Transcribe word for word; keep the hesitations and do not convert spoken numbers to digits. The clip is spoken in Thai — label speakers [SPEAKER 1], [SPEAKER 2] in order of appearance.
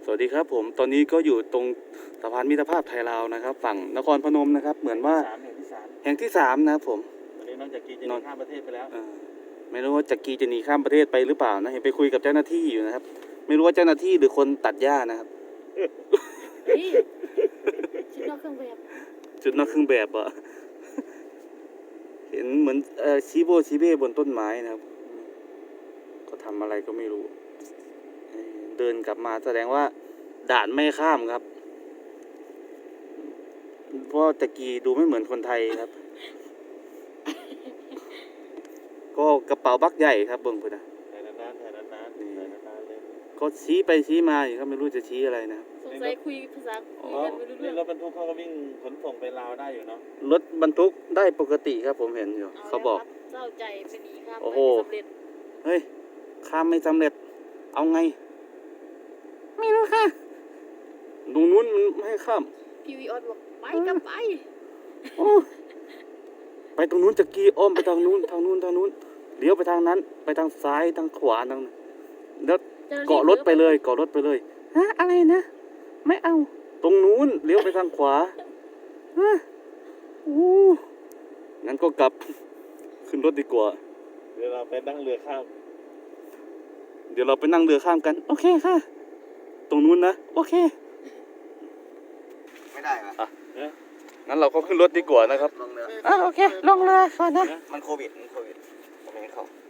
[SPEAKER 1] สวัสดีครับผมตอนนี้ก็อยู่ตรงสะพานมิตรภาพไทยลาวนะครับ ฝั่งนครพนมนะครับเหมือนว่า
[SPEAKER 2] สามแห่งที่สาม
[SPEAKER 1] แห่งที่สามนะครับผม
[SPEAKER 2] ตอนนี้น้องจากกีจะหนีข้ามประเทศไปแล้ว
[SPEAKER 1] เอ่อไม่รู้ว่าจักรีจะหนีข้ามประเทศไปหรือเปล่านะเห็นไปคุยกับเจ้าหน้าที่อยู่นะครับ ไม่รู้ว่าเจ้าหน้าที่หรือคนตัดหญ้านะครับ
[SPEAKER 3] เฮ้ยชุดนอกเครื่องแบบ
[SPEAKER 1] จุดนอกเครื่องแบบอะ เห็นเหมือนเอ่อชีโบชีเบ้บนต้นไม้นะครับก็ทำอะไรก็ไม่รู้เอ่อเดินกลับมาแสดงว่าด่านไม่ข้ามครับเพราะตะกี้ดูไม่เหมือนคนไทยครับ ก็กระเป๋าบักใหญ่ครับเบิ่งพุ่นนะ
[SPEAKER 2] ถ่ายนานๆถ่ายนานๆถ่ายนานๆเลย
[SPEAKER 1] ก็ชี้ไปชี้มาอยู่ครับไม่รู้จะชี้อะไรนะครับ
[SPEAKER 3] สงสัยคุยภาษาคุยกันไม่รู้
[SPEAKER 2] นี่
[SPEAKER 3] เรื่อง
[SPEAKER 2] รถบรรทุกเขาก็วิ่งขนส่งไปลาวได้อยู่เนาะ
[SPEAKER 1] รถบรรทุกได้ปกติครับผมเห็นอยู่เขาบอก
[SPEAKER 3] แล้วครับเศร้าใจไปหนีข้าม
[SPEAKER 1] โอ้
[SPEAKER 3] ไป
[SPEAKER 1] โห
[SPEAKER 3] ไม่สำเร็จ
[SPEAKER 1] เฮ้ยข้ามไม่สำเร็จ เอาไง ไม่รู้ค่ะตรงนู้นมันไม่ให้ข้าม
[SPEAKER 3] พี่วีออสบอกไปกับไป
[SPEAKER 1] โอ้ไปตรงนู้นจะกี้อ้อมไปทางนู้นทางนู้นทางนู้นเลี้ยวไปทางนั้น ไปทางซ้ายทางขวาทางนั้นแล้วเกาะรถไปเลยเกาะรถไปเลยฮะอะไรนะไม่เอา ตรงนู้นเลี้ยวไปทางขวาฮะโอ้งั้นก็กลับขึ้นรถดีกว่า
[SPEAKER 2] เดี๋ยวเราไปนั่งเรือข้าม
[SPEAKER 1] เดี๋ยวเราไปนั่งเรือข้ามกัน โอเคค่ะ ตรงนู้นนะโอเค
[SPEAKER 4] ไม่ได้ปะ
[SPEAKER 1] อ่ะงั้นเราก็ขึ้นรถดีกว่านะครับ
[SPEAKER 4] ลงเรือ
[SPEAKER 1] อ่ะโอเค ลงเรือก่อนนะ
[SPEAKER 4] มันโควิด มันโควิดผมไม่ให้เข้า